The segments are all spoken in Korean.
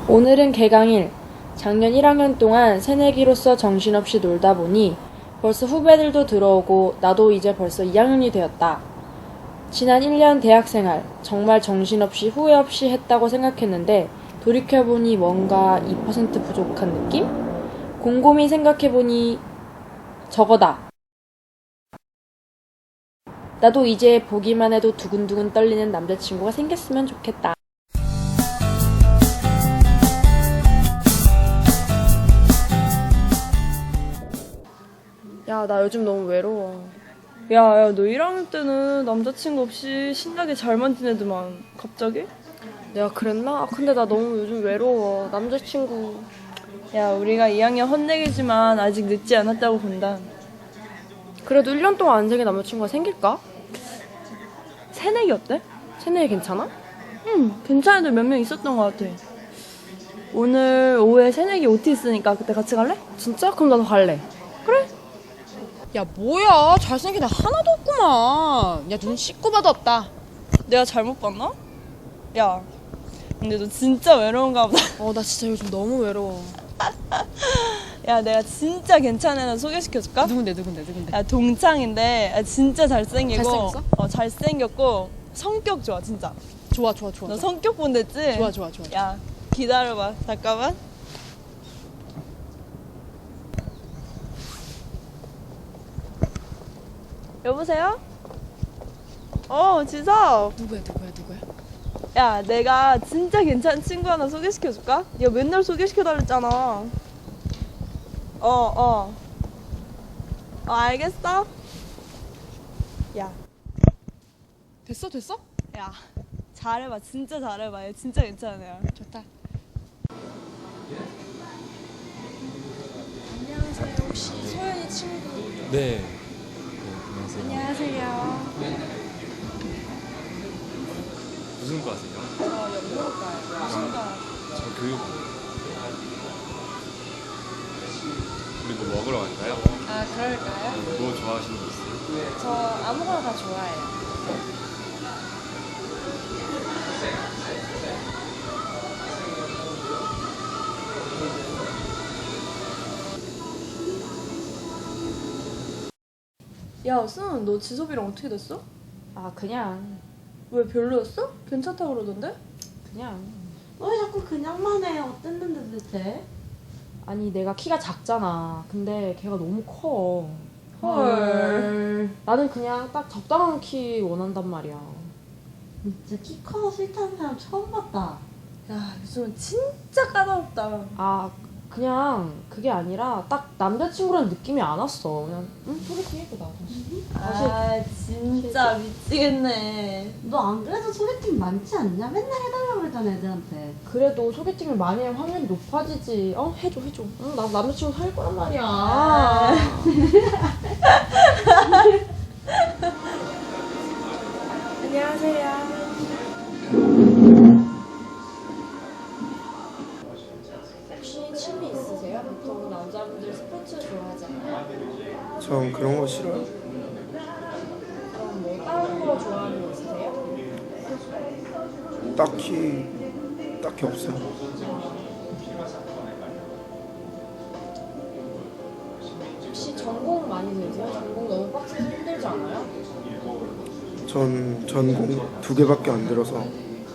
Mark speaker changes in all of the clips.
Speaker 1: 오늘은 개강일. 작년 1학년 동안 새내기로서 정신없이 놀다 보니 벌써 후배들도 들어오고 나도 이제 벌써 2학년이 되었다. 지난 1년 대학생활 정말 정신없이 후회 없이 했다고 생각했는데 돌이켜보니 뭔가 2% 부족한 느낌? 곰곰이 생각해보니 저거다. 나도 이제 보기만 해도 두근두근 떨리는 남자친구가 생겼으면 좋겠다.
Speaker 2: 야, 나 요즘 너무 외로워. 야, 너 1학년 때는 남자친구 없이 신나게 잘만 지내더만 갑자기?
Speaker 1: 내가 그랬나? 근데 나 너무 요즘 외로워. 남자친구.
Speaker 2: 야, 우리가 2학년 헛내기지만 아직 늦지 않았다고 본다.
Speaker 1: 그래도 1년 동안 안 생긴 남자친구가 생길까?
Speaker 2: 새내기 어때?
Speaker 1: 새내기 괜찮아?
Speaker 2: 응, 괜찮은 애들 몇 명 있었던 것 같아. 오늘 오후에 새내기 OT 있으니까 그때 같이 갈래?
Speaker 1: 진짜? 그럼 나도 갈래.
Speaker 2: 그래.
Speaker 3: 야 뭐야 잘생긴 애 하나도 없구만. 야 눈 씻고 봐도 없다.
Speaker 2: 내가 잘못 봤나? 야, 근데 너 진짜 외로운가 보다.
Speaker 3: 나 진짜 요즘 너무 외로워.
Speaker 2: 야, 내가 진짜 괜찮은 애 소개시켜줄까?
Speaker 3: 누군데?
Speaker 2: 야, 동창인데 진짜 잘생기고
Speaker 3: 잘생겼어?
Speaker 2: 잘생겼고 성격 좋아 진짜.
Speaker 3: 좋아
Speaker 2: 너 성격 본댔지?
Speaker 3: 좋아.
Speaker 2: 야, 기다려봐 잠깐만. 여보세요? 지섭.
Speaker 3: 누구야?
Speaker 2: 야, 내가 진짜 괜찮은 친구 하나 소개시켜줄까? 야, 맨날 소개시켜달랬잖아. 알겠어? 야,
Speaker 3: 됐어?
Speaker 2: 야, 잘해봐. 진짜 잘해봐. 얘 진짜 괜찮은 애야.
Speaker 3: 좋다.
Speaker 1: 안녕하세요. 혹시 소연이 친구?
Speaker 4: 네. 안녕하세요.
Speaker 1: 안녕하세요.
Speaker 4: 무슨 과세요?
Speaker 1: 저 연극과요. 무슨 과?
Speaker 4: 저 교육과요. 우리 뭐 먹으러 갈까요?
Speaker 1: 아, 그럴까요?
Speaker 4: 뭐 좋아하시는 거 있어요?
Speaker 1: 저 아무거나 다 좋아해요.
Speaker 2: 야, 승, 너 지섭이랑 어떻게 됐어?
Speaker 1: 아, 그냥.
Speaker 2: 왜 별로였어? 괜찮다 그러던데?
Speaker 1: 그냥.
Speaker 5: 왜 자꾸 그냥만 해? 어땠는데 도대체?
Speaker 1: 아니, 내가 키가 작잖아. 근데 걔가 너무 커.
Speaker 2: 헐.
Speaker 1: 나는 그냥 딱 적당한 키 원한단 말이야.
Speaker 5: 진짜 키 커서 싫다는 사람 처음 봤다.
Speaker 2: 야, 요즘은 진짜 까다롭다.
Speaker 1: 아, 그냥 그게 아니라 딱 남자친구라는 느낌이 안 왔어. 그냥 소개팅 해보다.
Speaker 2: 진짜 미치겠네.
Speaker 5: 너 안 그래도 소개팅 많지 않냐? 맨날 해달라고 그러잖아 애들한테.
Speaker 1: 그래도 소개팅을 많이 하면 확률이 높아지지. 해줘. 응, 나 남자친구 사귈 거란 말이야. 안녕하세요. 혹시 취미 있으세요? 보통 남자분들 스포츠 좋아하잖아요.
Speaker 6: 전 그런 거 싫어요.
Speaker 1: 그럼 뭐 다른 거 좋아하는 거 있으세요?
Speaker 6: 딱히 없어요.
Speaker 1: 혹시 전공 많이 되세요? 전공 너무 빡세서 힘들지 않아요?
Speaker 6: 전 전공 2개밖에 안 들어서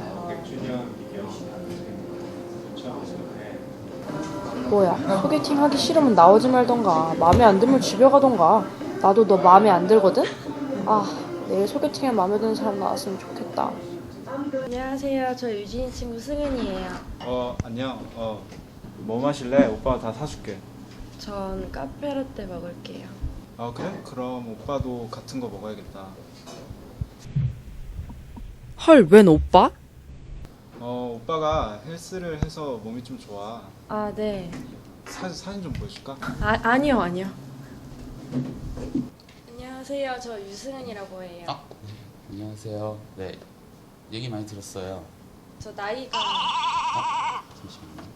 Speaker 1: 뭐야, 소개팅 하기 싫으면 나오지 말던가, 마음에 안 들면 집에 가던가. 나도 너 마음에 안 들거든? 내일 소개팅에 마음에 드는 사람 나왔으면 좋겠다. 안녕하세요. 저 유진이 친구 승은이에요.
Speaker 7: 안녕. 뭐 마실래? 오빠가 다 사줄게.
Speaker 1: 전 카페라떼 먹을게요.
Speaker 7: 그래? 그럼 오빠도 같은 거 먹어야겠다.
Speaker 3: 헐 웬 오빠?
Speaker 7: 오빠가 헬스를 해서 몸이 좀 좋아.
Speaker 1: 아, 네.
Speaker 7: 사진 좀 보여줄까?
Speaker 1: 아니요. 안녕하세요. 저 유승은이라고 해요.
Speaker 8: 안녕하세요. 네, 얘기 많이 들었어요.
Speaker 1: 저 나이가
Speaker 8: 잠시만요.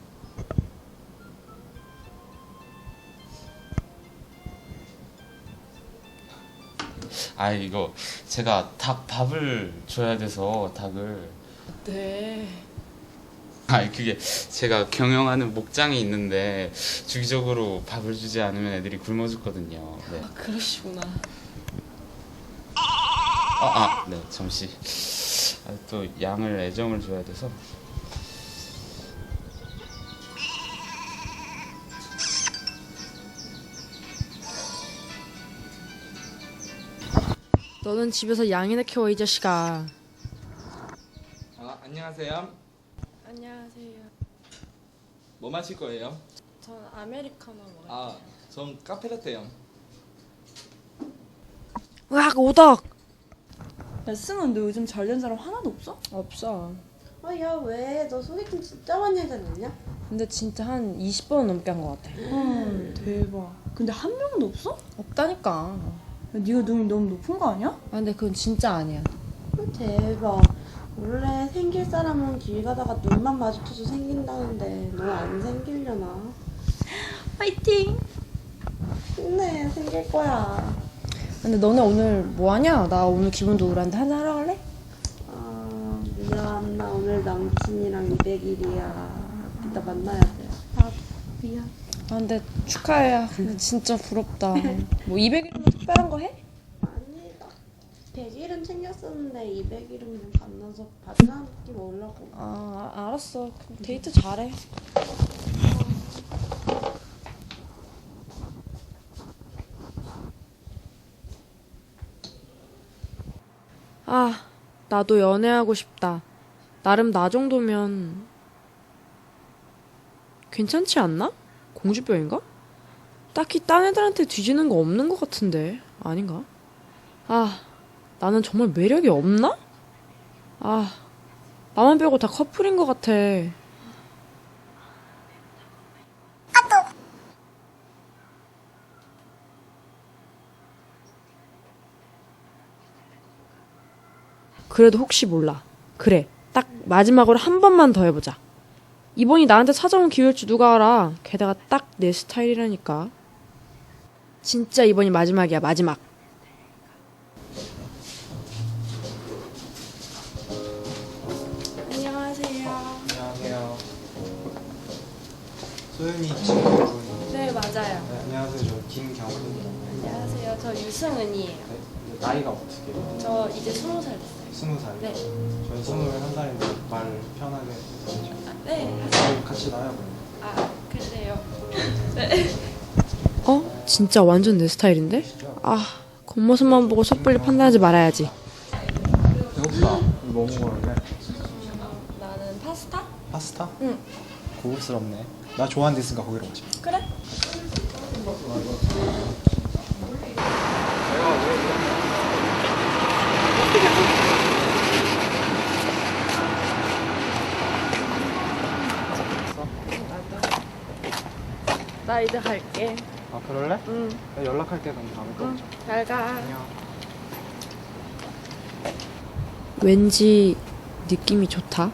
Speaker 8: 이거 제가 밥을 줘야 돼서 닭을.
Speaker 1: 네.
Speaker 8: 아, 그게 제가 경영하는 목장이 있는데 주기적으로 밥을 주지 않으면 애들이 굶어 죽거든요. 네.
Speaker 3: 그러시구나.
Speaker 8: 네, 잠시. 또 양을 애정을 줘야 돼서.
Speaker 1: 너는 집에서 양이나 키워 이 자식아.
Speaker 9: 안녕하세요.
Speaker 2: 안녕하세요.
Speaker 9: 뭐 마실 거예요?
Speaker 2: 전 아메리카노 먹어요.
Speaker 9: 전 카페라떼요.
Speaker 1: 으악 오덕.
Speaker 2: 야, 승은 너 요즘 잘 된 사람 하나도 없어?
Speaker 1: 없어.
Speaker 5: 야 왜? 너 소개팅 진짜 많이 하지 않냐?
Speaker 1: 근데 진짜 한 20번 넘게 한 것 같아.
Speaker 2: 대박. 근데 한 명도 없어?
Speaker 1: 없다니까.
Speaker 2: 야, 네가 눈이 너무 높은 거 아니야?
Speaker 1: 아 근데 그건 진짜 아니야.
Speaker 5: 대박. 원래 생길 사람은 길 가다가 눈만 마주쳐서 생긴다는데 너 안 생기려나?
Speaker 2: 파이팅!
Speaker 5: 힘내, 생길 거야.
Speaker 1: 근데 너네 오늘 뭐 하냐? 나 오늘 기분도 우울한데 한잔 하러 갈래?
Speaker 5: 미안. 나 오늘 남친이랑 200일이야. 이따 만나야 돼. 미안.
Speaker 1: 아 근데 축하해. 근데 진짜 부럽다. 뭐 200일이면 특별한 거 해?
Speaker 5: 아니, 나 100일은 챙겼었는데 200일은 그냥 만나서 밥이나 한 끼 먹으려고.
Speaker 1: 알았어. 그럼 데이트 잘해. 나도 연애하고 싶다. 나름 나 정도면 괜찮지 않나? 공주병인가? 딱히 딴 애들한테 뒤지는 거 없는 것 같은데 아닌가? 나는 정말 매력이 없나? 나만 빼고 다 커플인 것 같아. 그래도 혹시 몰라. 그래, 딱 마지막으로 한 번만 더 해보자. 이번이 나한테 찾아온 기회일지 누가 알아. 게다가 딱 내 스타일이라니까. 진짜 이번이 마지막이야, 마지막.
Speaker 2: 안녕하세요.
Speaker 7: 안녕하세요. 소연이 친구분.
Speaker 2: 네, 맞아요.
Speaker 7: 네, 안녕하세요. 저 김경훈입니다.
Speaker 2: 안녕하세요. 저 유승은이에요.
Speaker 7: 네, 나이가 어떻게 돼요?
Speaker 2: 저 이제 20살 됐어요.
Speaker 7: 20살.
Speaker 2: 네.
Speaker 7: 저는 21살인데 말 편하게 해주시죠.
Speaker 2: 네.
Speaker 7: 저희 같이 나요, 그럼.
Speaker 2: 그래요.
Speaker 1: 진짜 완전 내 스타일인데? 겉모습만 보고 섣불리 판단하지 말아야지.
Speaker 7: 배고프다. 뭐 먹을래?
Speaker 2: 나는 파스타?
Speaker 7: 파스타?
Speaker 2: 응.
Speaker 7: 고급스럽네. 나 좋아하는 데 있으니까 거기로 가자.
Speaker 2: 그래. 나 이제 갈게.
Speaker 7: 그럴래?
Speaker 2: 응.
Speaker 7: 내가 연락할게. 그럼 다음에 또 보자.
Speaker 2: 잘 가.
Speaker 7: 안녕.
Speaker 1: 왠지 느낌이 좋다.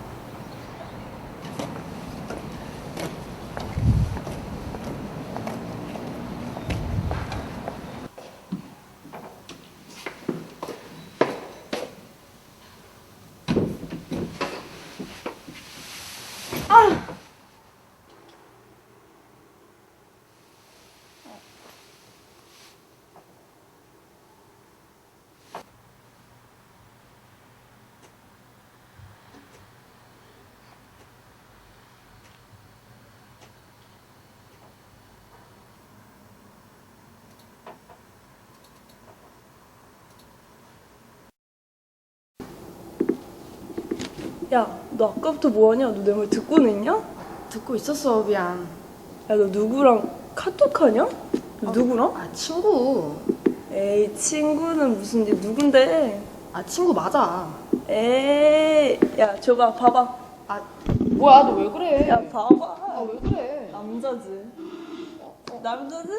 Speaker 2: 야, 너 아까부터 뭐하냐? 너 내 말 듣고는 있냐?
Speaker 1: 듣고 있었어, 미안.
Speaker 2: 야, 너 누구랑 카톡하냐? 너 누구랑?
Speaker 1: 친구.
Speaker 2: 에이, 친구는 무슨 네 누군데?
Speaker 1: 친구 맞아.
Speaker 2: 에이, 야, 줘봐, 봐봐.
Speaker 1: 뭐야, 너 왜 그래?
Speaker 2: 야, 봐봐.
Speaker 1: 왜 그래?
Speaker 2: 남자지. 남자지?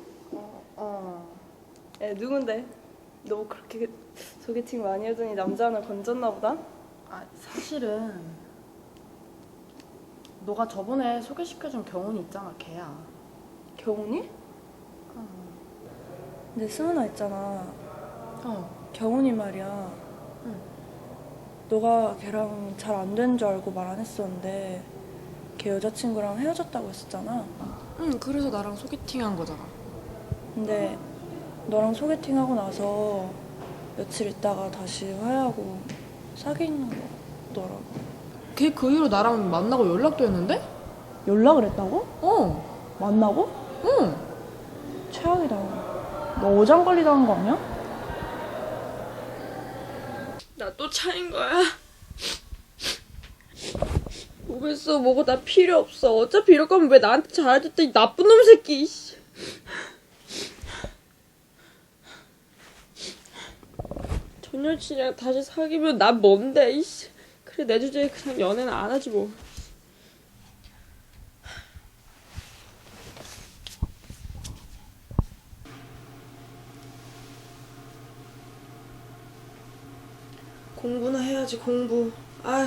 Speaker 2: 야, 누군데? 너 그렇게 소개팅 많이 하더니 남자 하나 건졌나 보다?
Speaker 1: 사실은 너가 저번에 소개시켜준 경훈이 있잖아, 걔야.
Speaker 2: 경훈이? 근데 승은아 있잖아. 경훈이 말이야. 너가 걔랑 잘 안 된 줄 알고 말 안 했었는데 걔 여자친구랑 헤어졌다고 했었잖아.
Speaker 3: 응, 그래서 나랑 소개팅 한 거잖아.
Speaker 2: 근데 너랑 소개팅하고 나서 며칠 있다가 다시 화해하고 사귀는 거더라고.
Speaker 3: 걔 그 이후로 나랑 만나고 연락도 했는데?
Speaker 2: 연락을 했다고?
Speaker 3: 어,
Speaker 2: 만나고?
Speaker 3: 응.
Speaker 2: 최악이다. 너 어장관리 당한 거 아니야?
Speaker 1: 나 또 차인 거야? 뭐겠어, 뭐고 나 필요 없어. 어차피 이럴 거면 왜 나한테 잘해줬더니 나쁜 놈 새끼. 씨. 전 여친이랑 다시 사귀면 난 뭔데, 이씨. 그래, 내 주제에 그냥 연애는 안 하지 뭐. 공부나 해야지, 공부. 아휴.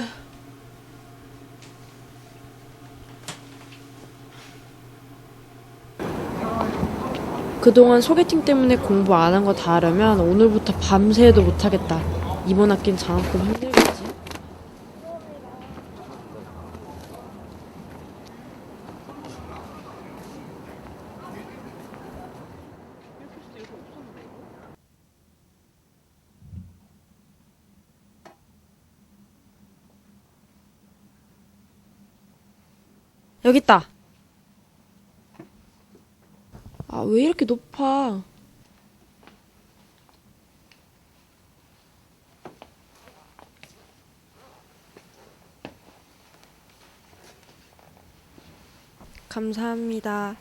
Speaker 1: 그동안 소개팅 때문에 공부 안 한 거 다 하려면 오늘부터 밤새 해도 못하겠다. 이번 학기는 장학금 힘들겠지. 여기 있다. 아, 왜 이렇게 높아? 감사합니다.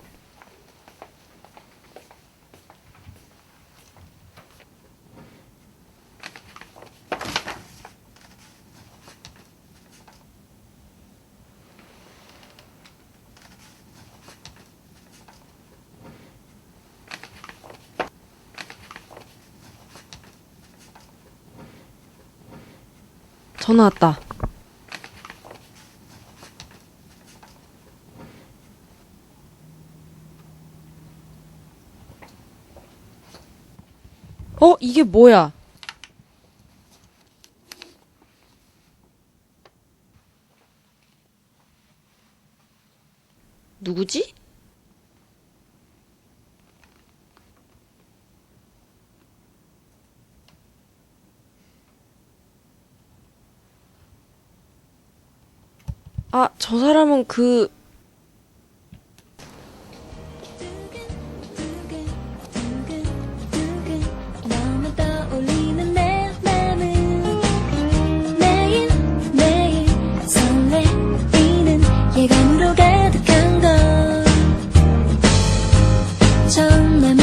Speaker 1: 전화 왔다. 이게 뭐야? 누구지? 아, 저 사람은
Speaker 10: 너무 떠올리는 내 맘은 매일매일 설레이는 예감으로 가득한 걸 정말